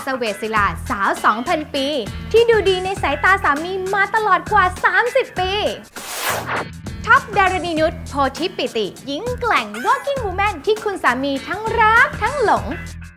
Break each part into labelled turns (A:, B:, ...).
A: เสเวศิลาสาว 2,000 ปี ที่ดูดีในสายตาสามีมาตลอดกว่า 30 ปีท็อปดารณีนุชโพธิปิติหญิงแกร่ง working woman ที่คุณสามีทั้งรักทั้งหลง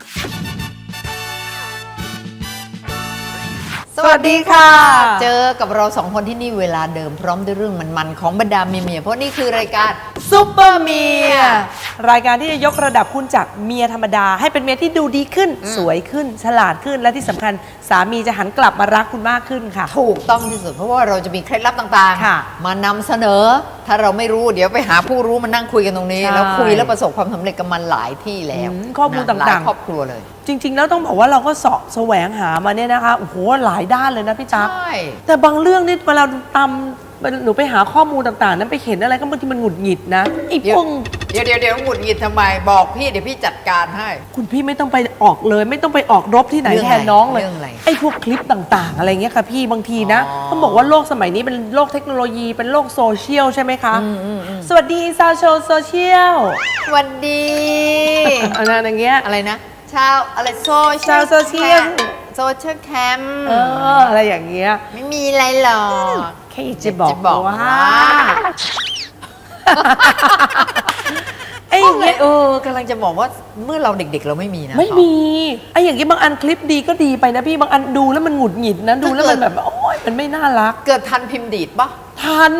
B: สวัสดีค่ะ เจอกับเราสองคนที่นี่เวลาเดิมพร้อมด้วยเรื่องมันๆของบรรดาเมียๆเพราะนี่คือรายการซุปเปอร์เมีย
C: รายการที่จะยกระดับคุณจากเมียธรรมดาให้เป็นเมียที่ดูดีขึ้นสวยขึ้นฉลาดขึ้นและที่สำคัญสามีจะหันกลับมารักคุณมากขึ้นค่ะ
B: ถูกต้องที่สุดเพราะว่าเราจะมีเคล็ดลับต่างๆมานำเสนอถ้าเราไม่รู้เดี๋ยวไปหาผู้รู้มานั่งคุยกันตรงนี้แล้วคุยแล้วประสบความสำเร็จกับมันหลายที่แล้ว
C: ข้อมูลต่าง
B: ๆครอบครัวเลย
C: จริงๆแล้วต้องบอกว่าเราก็เสาะแสวงหามาเนี่ยนะคะโอ้โหหลายด้านเลยนะพี่จ๊ะแต่บางเรื่องนี่เวลาตำหนูไปหาข้อมูลต่างๆนั้นไปเห็นอะไรก็บางทีมันหงุดหงิดนะไอ้พวก
B: เดี๋ยวหงุดหงิดทำไมบอกพี่เดี๋ยวพี่จัดการให้
C: คุณพี่ไม่ต้องไปออกเลยไม่ต้องไปออกรบที่ไหนแทนน้องเลยไอ้พวกคลิปต่างๆอะไรเงี้ยค่ะพี่บางทีนะต้องบอกว่าโลกสมัยนี้เป็นโลกเทคโนโลยีเป็นโลกโซเชียลใช่ไหมคะสวัสดีชาวโซเชียล
B: สวัสดี
C: อะไรอย่างเงี้ย
B: อะไรนะชาวอะไรโซเชียลแคม
C: อะไรอย่างเงี้ย
B: ไม่มีอะไรหรอก
C: แค่จะบอกว่า
B: ไอ้เงี้ยกำลังจะบอกว่าเมื่อเราเด็กๆเราไม่มีนะ
C: ไม่มีไอ้อย่างเงี้ยบางอันคลิปดีก็ดีไปนะพี่บางอันดูแล้วมันหงุดหงิดนะดูแล้วมันแบบโอ๊ยมันไม่น่ารัก
B: เกิดทันพิมพ์ดีดปะ
C: ทัน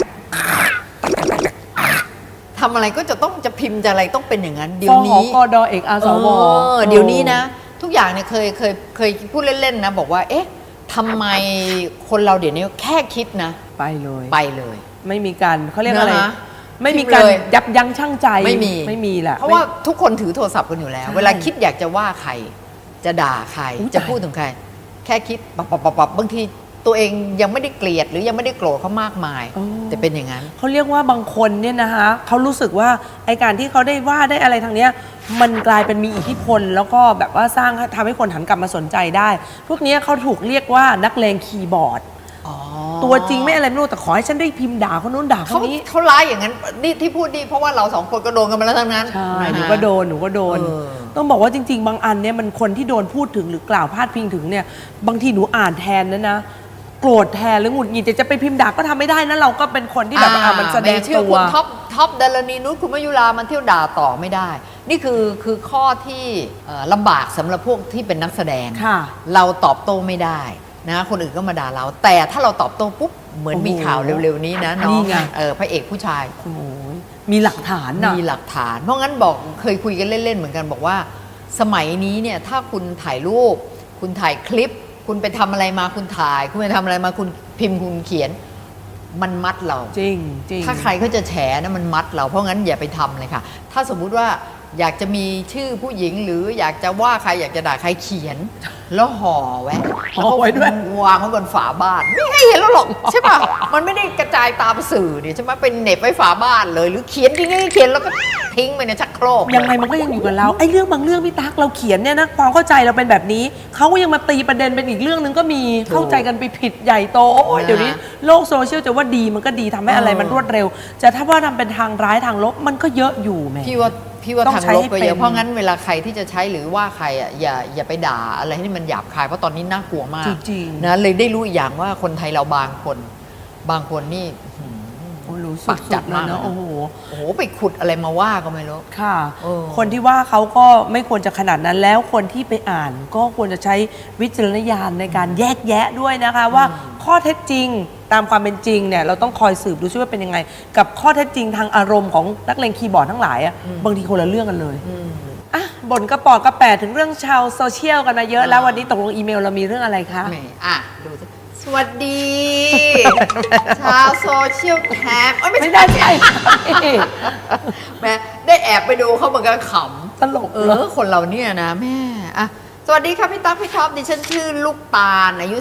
B: ทำอะไรก็จะพิมพ์จะอะไรต้องเป็นอย่างนั้นเดี๋ยวนี้
C: กดเอกอาสว
B: เดี๋ยวนี้นะทุกอย่างเนี่ยเคยพูดเล่นๆนะบอกว่าเอ๊ะทำไมคนเราเดี๋ยวนี้แค่คิดนะไปเลย
C: ไม่มีการเขาเรียกอะไรไม่มีการยับยั้งชั่งใจไม่มีแหละ
B: เพราะว่าทุกคนถือโทรศัพท์กันอยู่แล้วเวลาคิดอยากจะว่าใครจะด่าใครจะพูดถึงใครแค่คิดปับบางทีตัวเองยังไม่ได้เกลียดหรือยังไม่ได้โกรธเขามากมายแต่เป็นอย่างนั้น
C: เขาเรียกว่าบางคนเนี่ยนะคะเขารู้สึกว่าไอการที่เขาได้ว่าได้อะไรทางเนี้ยมันกลายเป็นมีอิทธิพลแล้วก็แบบว่าสร้างทำให้คนหันกลับมาสนใจได้พวกนี้เขาถูกเรียกว่านักเลงคีย์บอร์ดตัวจริงไม่อะไรไม่รู้แต่ขอให้ฉันได้พิมพ์ด่าคนนู้นด่าคนนี้
B: เขาร้ายอย่างนั้นนี่ที่พูดดีเพราะว่าเราสองคนก็โดนกันมาแล้วทั้งนั้น
C: ใช่หนูก็โดนต้องบอกว่าจริงๆบางอันเนี่ยมันคนที่โดนพูดถึงหรือกล่าวพาดพิงถึงเนี่ยบางทีหนูอ่านแทนนะโกรธแทนหรือหงุดหงิดจะไปพิมพ์ด่าก็ทำไม่ได้นะเราก็เป็นคนที่แบบมันแสดงตัว
B: คุณท็อปดารณีนุชคุณมยุรามันเที่ยวด่าต่อไม่ได้นี่คือข้อที่ลำบากสำหรับพวกที่เป็นนักแสดงเราตอบโต้ไม่ได้นะคนอื่นก็มาด่าเราแต่ถ้าเราตอบโต้ปุ๊บเหมือนมีข่าวเร็วๆนี้นะน้องพระเอกผู้ชาย
C: มีหลักฐาน
B: มีหลักฐานเพราะงั้นบอกเคยคุยกันเล่นๆเหมือนกันบอกว่าสมัยนี้เนี่ยถ้าคุณถ่ายรูปคุณถ่ายคลิปคุณไปทำอะไรมาคุณถ่ายคุณไปทำอะไรมาคุณพิมพ์คุณเขียนมันมัดเรา
C: จริง
B: ถ้าใครเขาจะแฉนะมันมัดเราเพราะงั้นอย่าไปทำเลยค่ะถ้าสมมุติว่าอยากจะมีชื่อผู้หญิงหรืออยากจะว่าใครอยากจะด่าใครเขียนแล้วห่อไว้ด้วยวางไว้บนฝาบ้านไม่ให้เห็นแล้วหรอกใช่ป่ะมันไม่ได้กระจายตามสื่อเนี่ยใช่ไหมเป็นเน็บไว้ฝาบ้านเลยหรือเขียนเขียนแล้วก็ทิ้งไปในชักโครก
C: ยังไงมันก็ยังอยู่กับเราไอ้เรื่องบางเรื่องพี่ตั๊กเราเขียนเนี่ยนะความเข้าใจเราเป็นแบบนี้เขาก็ยังมาตีประเด็นเป็นอีกเรื่องนึงก็มีเข้าใจกันไปผิดใหญ่โตโอ้ยเดี๋ยวนี้โลกโซเชียลจะว่าดีมันก็ดีทำให้อะไรมันรวดเร็วจะถ้าว่าทำเป็นทางร้ายทางลบมันก็เยอะอยู่แม่
B: พี่ว่าทางลบก็เยอะเพราะงั้นเวลาใครที่จะใช้หรือว่าใครอ่ะอย่าไปด่าอะไรที่มันหยาบคายเพราะตอนนี้น่ากลัวมากนะเลยได้รู้อย่างว่าคนไทยเราบางคนนี่
C: ปักจัดมากนะโอ้โห
B: ไปขุดอะไรมาว่าก็ไม่รู้
C: ค่ะคนที่ว่าเขาก็ไม่ควรจะขนาดนั้นแล้วคนที่ไปอ่านก็ควรจะใช้วิจารณญาณในการแยกแยะด้วยนะคะว่าข้อเท็จจริงตามความเป็นจริงเนี่ยเราต้องคอยสืบดูซิว่าเป็นยังไงกับข้อเท็จจริงทางอารมณ์ของนักเลงคีย์บอร์ดทั้งหลายอ่ะบางทีคนละเรื่องกันเลยอ่ะบ่นกระปอกกระแปะถึงเรื่องชาวโซเชียลกันมาเยอะแล้ววันนี้ตกลงอีเมลเรามีเรื่องอะไรคะ
B: ดูสวัสดีชาวโซเชียลแคม
C: ไม่ได้ใช่
B: แม่ได้แอบไปดูเขาเหมือนกันขำ
C: ตลก
B: คนเราเนี่ยนะแม่สวัสดีครับพี่ตั๊กพี่ท็อปดิฉันชื่อลูกตาลอายุ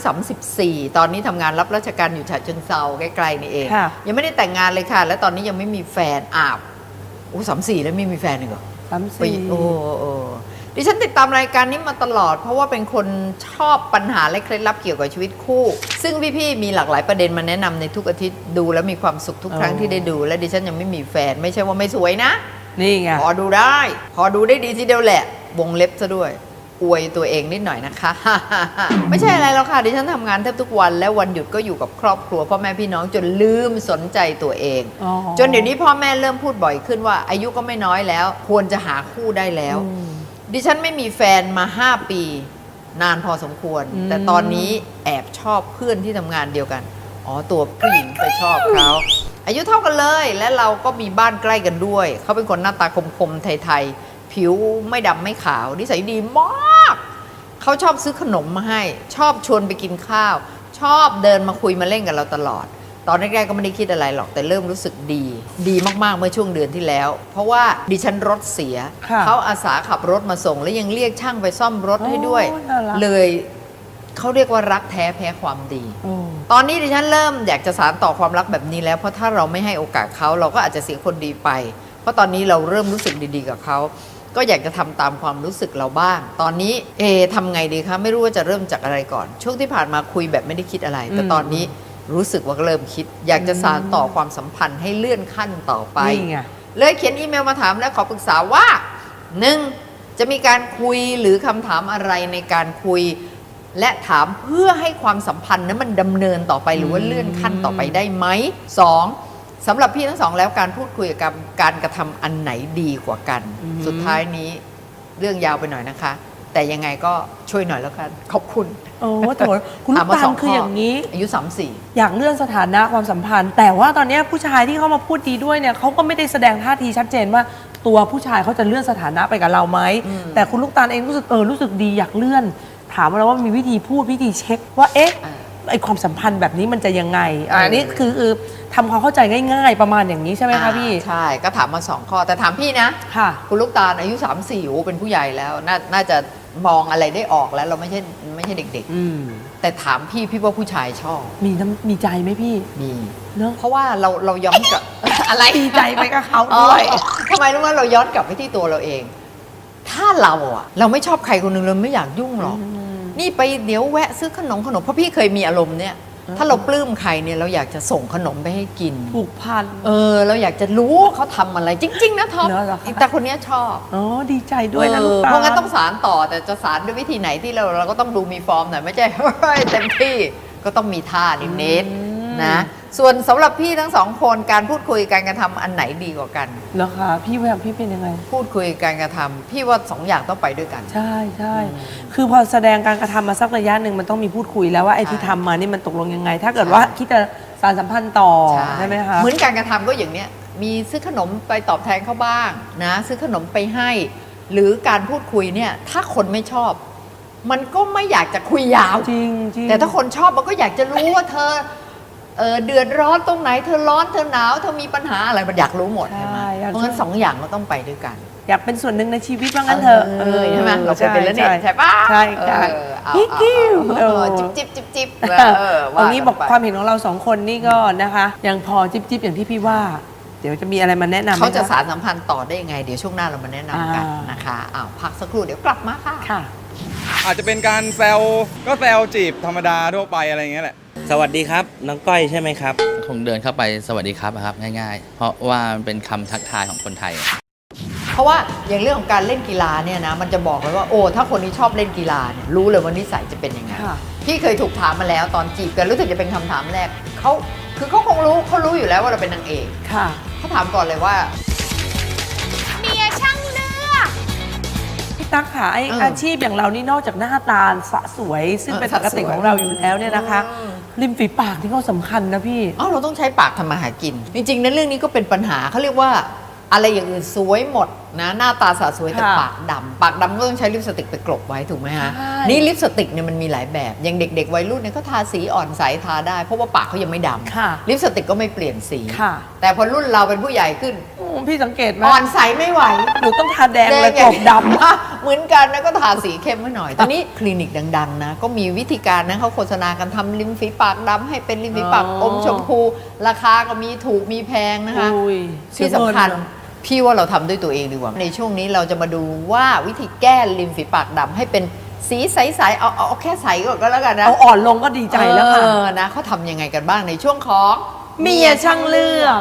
B: 34ตอนนี้ทำงานรับราชการอยู่ฉะเชิงเทราใกล้ๆนี่เองยังไม่ได้แต่งงานเลยค่ะและตอนนี้ยังไม่มีแฟน34แล้วไม่มีแฟนเลยเหรอ34ดิฉันติดตามรายการนี้มาตลอดเพราะว่าเป็นคนชอบปัญหาและเคล็ดลับเกี่ยวกับชีวิตคู่ซึ่งพี่ๆมีหลากหลายประเด็นมาแนะนำในทุกอาทิตย์ดูแล้วมีความสุขทุกครั้งที่ได้ดูและดิฉันยังไม่มีแฟนไม่ใช่ว่าไม่สวยนะ
C: นี่ไง
B: พอดูได้ดีทีเดียวแหละวงเล็บซะด้วยอวยตัวเองนิดหน่อยนะคะ ไม่ใช่อะไรแล้วค่ะดิฉันทำงานแทบทุกวันและวันหยุดก็อยู่กับครอบครัวพ่อแม่พี่น้องจนลืมสนใจตัวเอง
C: อ๋อ
B: จนเดี๋ยวนี้พ่อแม่เริ่มพูดบ่อยขึ้นว่าอายุก็ไม่น้อยแล้ว ควรจะหาคู่ได้แล้ว ดิฉันไม่มีแฟนมา 5 ปี นานพอสมควร แต่ตอนนี้แอบชอบเพื่อนที่ทำงานเดียวกันอ๋อตัวผู้หญิงไปชอบเขาอายุเท่ากันเลยและเราก็มีบ้านใกล้กันด้วยเขาเป็นคนหน้าตาคมๆไทยๆผิวไม่ดำไม่ขาวนิสัยดีมากเขาชอบซื้อขนมมาให้ชอบชวนไปกินข้าว ชอบเดินมาคุยมาเล่นกับเราตลอด ตอนแรกๆก็ไม่ได้คิดอะไรหรอกแต่เริ่มรู้สึกดีมากๆเมื่อช่วงเดือนที่แล้ว เพราะว่าดิฉันรถเสีย
C: ค่ะ
B: เขาอาสาขับรถมาส่ง แล้วยังเรียกช่างไปซ่อมรถให้ด้วย
C: โอ้น่ารัก
B: เลยเขาเรียกว่ารักแท้แพ้ความดี
C: โอ้
B: ตอนนี้ดิฉันเริ่มอยากจะสานต่อความรักแบบนี้แล้ว เพราะถ้าเราไม่ให้โอกาสเขาเราก็อาจจะเสียคนดีไป เพราะตอนนี้เราเริ่มรู้สึกดีๆกับเขาก็อยากจะทำตามความรู้สึกเราบ้าง ตอนนี้ทำไงดีคะไม่รู้ว่าจะเริ่มจากอะไรก่อน ช่วงที่ผ่านมาคุยแบบไม่ได้คิดอะไร แต่ตอนนี้รู้สึกว่าเริ่มคิด อยากจะสานต่อความสัมพันธ์ให้เลื่อนขั้นต่อไป
C: นี่ไง
B: เลยเขียนอีเมลมาถามและขอปรึกษาว่า 1. จะมีการคุยหรือคำถามอะไรในการคุย และถามเพื่อให้ความสัมพันธ์นั้นมันดำเนินต่อไปหรือว่าเลื่อนขั้นต่อไปได้ไหม 2. สำหรับพี่ทั้งสองแล้วการพูดคุยกับการกระทำอันไหนดีกว่ากัน สุดท้ายนี้เรื่องยาวไปหน่อยนะคะ แต่ยังไงก็ช่วยหน่อยแล้วกันขอบคุณ
C: โอ้โถคุณลูกตาลคืออย่างนี้
B: อายุ34
C: อยากเลื่อนสถานะความสัมพันธ์ แต่ว่าตอนนี้ผู้ชายที่เขามาพูดดีด้วยเนี่ยเขาก็ไม่ได้แสดงท่าทีชัดเจนว่าตัวผู้ชายเขาจะเลื่อนสถานะไปกับเราไหมแต่คุณลูกตาลเองรู้สึกรู้สึกดีอยากเลื่อน ถามเราว่ามีวิธีพูดวิธีเช็คว่าไอความสัมพันธ์แบบนี้มันจะยังไงอันนี้คือทำความเข้าใจง่ายๆประมาณอย่างนี้ใช่ไหมคะพี่
B: ใช่ก็ถามมา2ข้อแต่ถามพี่นะ
C: ค่ะ
B: คุณลูกตาลอายุ34โอ้เป็นผู้ใหญ่แล้วน่าจะมองอะไรได้ออกแล้วเราไม่ใช่เด็กๆแต่ถามพี่ว่าผู้ชายชอบ
C: มีใจไหมพี่
B: มี
C: เนอะ
B: เพราะว่าเราย้อนกลับ อะไร
C: ดีใจไปกับเขาด้วย
B: ทำไมรู้ว่าเราย้อนกลับไปที่ตัวเราเอง ถ้าเราไม่ชอบใครคนหนึ่งเราไม่อยากยุ่งหรอกนี่ไปเดี๋ยวแวะซื้อขนมเพราะพี่เคยมีอารมณ์เนี่ยถ้าเราปลื้มใครเนี่ยเราอยากจะส่งขนมไปให้กิน
C: ผูกพัน
B: เราอยากจะรู้ว่าเขาทำอะไรจริง ๆ นะท็อป
C: เหรอคะ
B: แต่คนเนี้ยชอบ
C: อ๋อดีใจด้วยนะลูกตาล
B: เพราะงั้นต้องสารต่อแต่จะสารด้วยวิธีไหนที่เราก็ต้องดูมีฟอร์มหน่อยไม่ใช่ เฮ้ยเต็มที่ก็ต้องมีท่านิดๆนะส่วนสำหรับพี่ทั้งสองคนการพูดคุยการกระทำอันไหนดีกว่ากัน
C: เหรอคะพี่เป็นยังไง
B: พูดคุยการกระทำพี่ว่า2 อย่างต้องไปด้วยกัน
C: ใช่คือพอแสดงการกระทำมาสักระยะหนึ่งมันต้องมีพูดคุยแล้วว่าไอ้ที่ทำมานี่มันตกลงยังไง ถ้าเกิดว่าคิดจะสานสัมพันธ์ต่อใช่ไหมคะ
B: เหมือนการกระทำก็อย่างเนี้ยมีซื้อขนมไปตอบแทนเขาบ้างนะซื้อขนมไปให้ หรือการพูดคุยเนี่ยถ้าคนไม่ชอบ มันก็ไม่อยากจะคุยยาว
C: จริง
B: แต่ถ้าคนชอบมันก็อยากจะรู้ว่าเธอเดือดร้อนตรงไหนเธอร้อนเธอหนาวเธอมีปัญหาอะไรมันอยากรู้หมด
C: ใช่
B: ใช่ไหม
C: อยาก
B: เพราะงั้น
C: รู้
B: 2 อย่างก็ต้องไปด้วยกัน
C: อยากเป็นส่วนหนึ่งในชีวิตว่างั้นเถอะ
B: ใช่ไหมเราเคยเป็นแล้วเนี่ยใช่ปะ
C: ใช่ค่ะ
B: เอา
C: กิ้ว
B: จิบ
C: เอางี้บอก
B: ไป
C: ความเห็นของเรา2คนนี่ก็นะคะยังพอจิ๊บอย่างที่พี่ว่า เดี๋ยวจะมีอะไรมาแนะนำไหม
B: เขาจะ
C: ค
B: สารสัมพันธ์ต่อได้ยังไง เดี๋ยวช่วงหน้าเรามาแนะนำกันนะคะพักสักครู่เดี๋ยวกลับมาค่ะ
C: ค่ะ
D: อาจจะเป็นการแซวก็แซวจีบธรรมดาทั่วไปอะไรอย่างเงี้ยแหละ
E: สวัสดีครับ น้องก้อยใช่ไหมครับ
F: คงเดินเข้าไปสวัสดีครับนะครับง่ายๆ เพราะว่ามันเป็นคำทักทายของคนไทย
B: เพราะว่าอย่างเรื่องของการเล่นกีฬาเนี่ยนะมันจะบอกเลยว่าโอ้ถ้าคนนี้ชอบเล่นกีฬาเนี่ยรู้เลยว่านิสัยจะเป็นยังไง
C: ค่ะ
B: พี่เคยถูกถามมาแล้วตอนจีบกันรู้สึกจะเป็นคำถามแรกเขาคงรู้เขารู้อยู่แล้วว่าเราเป็นนางเอก
C: ค่ะ
B: เขาถามก่อนเลยว่า
A: เมียช่างเลือก
C: พี่ตั๊กค่ะไออาชีพอย่างเรานี่นอกจากหน้าตาสะสวย ซึ่งเป็นปกติของเราอยู่แล้วเนี่ยนะคะ ริมฝีปากที่ก็สำคัญนะพี่
B: เราต้องใช้ปากทำมาหากิน จริงๆนะเรื่องนี้ก็เป็นปัญหาเขาเรียกว่าอะไรอย่างอื่นสวยหมดนะหน้าตาสะสวยแต่
C: ค่ะ
B: ปากดำก็ต้องใช้ลิปสติกไปกลบไว้ถูกไหมฮะ
C: ใช่
B: นี่ลิปสติกเนี่ยมันมีหลายแบบอย่างเด็กๆวัยรุ่นเนี่ยเขาทาสีอ่อนใสทาได้เพราะว่าปากเขายังไม่ด
C: ค่ะ
B: ำลิปสติกก็ไม่เปลี่ยนสี
C: ค่ะ
B: แต่พอรุ่นเราเป็นผู้ใหญ่ขึ้น
C: พี่สังเกตไหม
B: อ่อนใสไม่ไหว
C: หนูต้องทาแดงเลยกลบดำ
B: เหมือนกันนะก็ทาสีเข้มไว้หน่อย ตอนนี้คลินิกดังๆนะก็มีวิธีการนะเขาโฆษณากันทำริมฝีปากดำให้เป็นริมฝีปาก
C: อ๋
B: อ
C: อ
B: มชมพู ราคาก็มีถูกมีแพงนะคะ
C: อุ้ย
B: ที่สำคัญพี่ว่าเราทำด้วยตัวเองดีกว่า ในช่วงนี้เราจะมาดูว่าวิธีแก้ริมฝีปากดำให้เป็นสีใสๆเอาแค่ใสก่อนก็แล้วกันนะ
C: เอาอ่อนลงก็ดีใจแล้วค่ะ
B: นะเขาทำยังไงกันบ้างในช่วงของ
C: เมียช่างเลือก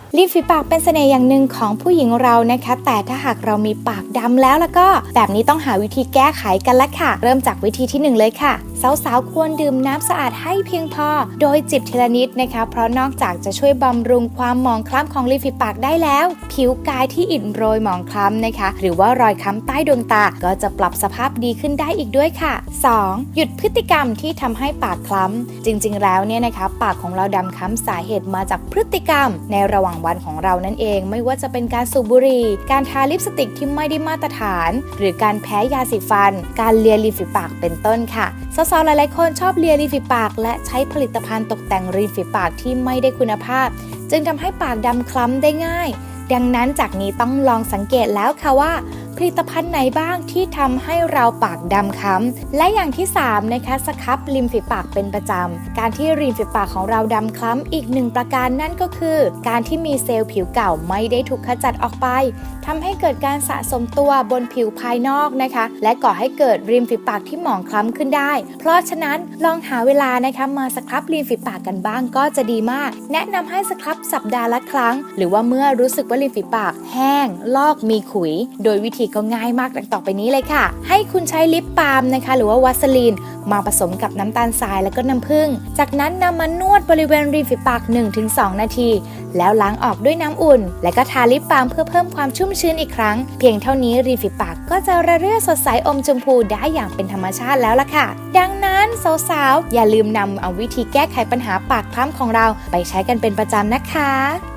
A: ริมฝีปากเป็นเสน่ห์อย่างหนึ่งของผู้หญิงเรานะคะแต่ถ้าหากเรามีปากดำแล้วก็แบบนี้ต้องหาวิธีแก้ไขกันละค่ะเริ่มจากวิธีที่1เลยค่ะสาวๆควรดื่มน้ำสะอาดให้เพียงพอโดยจิบทีละนิดนะคะเพราะนอกจากจะช่วยบำรุงความหมองคล้ำของริมฝีปากได้แล้วผิวกายที่อิดโรยหมองคล้ำนะคะหรือว่ารอยค้ำใต้ดวงตาก็จะปรับสภาพดีขึ้นได้อีกด้วยค่ะ 2. หยุดพฤติกรรมที่ทำให้ปากคล้ำจริงๆแล้วเนี่ยนะคะปากของเราดำคล้ำสาเหตุมาจากพฤติกรรมในระหว่างวันของเรานั่นเองไม่ว่าจะเป็นการสูบบุหรี่การทาลิปสติกที่ไม่ได้มาตรฐานหรือการแพ้ยาสีฟันการเลียริมฝีปากเป็นต้นค่ะสาวๆหลายๆคนชอบเลียริมฝีปากและใช้ผลิตภัณฑ์ตกแต่งริมฝีปากที่ไม่ได้คุณภาพจึงทำให้ปากดำคล้ำได้ง่ายดังนั้นจากนี้ต้องลองสังเกตแล้วค่ะว่าผลิตภัณฑ์ไหนบ้างที่ทำให้เราปากดำคล้ำและอย่างที่3นะคะสครับริมฝีปากเป็นประจำการที่ริมฝีปากของเราดำคล้ำอีก1ประการนั่นก็คือการที่มีเซลล์ผิวเก่าไม่ได้ถูกขจัดออกไปทำให้เกิดการสะสมตัวบนผิวภายนอกนะคะและก่อให้เกิดริมฝีปากที่หมองคล้ำขึ้นได้เพราะฉะนั้นลองหาเวลานะคะมาสครับริมฝีปากกันบ้างก็จะดีมากแนะนำให้สครับสัปดาห์ละครั้งหรือว่าเมื่อรู้สึกว่าริมฝีปากแห้งลอกมีขุยโดยวิธีก็ง่ายมากดังต่อไปนี้เลยค่ะให้คุณใช้ลิปบาล์มนะคะหรือว่าวัสลีนมาผสมกับน้ำตาลทรายแล้วก็น้ำผึ้งจากนั้นนำมานวดบริเวณริมฝีปาก 1-2 นาทีแล้วล้างออกด้วยน้ำอุ่นและก็ทาลิปบาล์มเพื่อเพิ่มความชุ่มชื้นอีกครั้งเพียงเท่านี้ริมฝีปากก็จะระเรื่อสดใสอมชมพูได้อย่างเป็นธรรมชาติแล้วล่ะค่ะดังนั้นสาวๆอย่าลืมนำเอาวิธีแก้ไขปัญหาปากคล้ำของเราไปใช้กันเป็นประจำนะคะ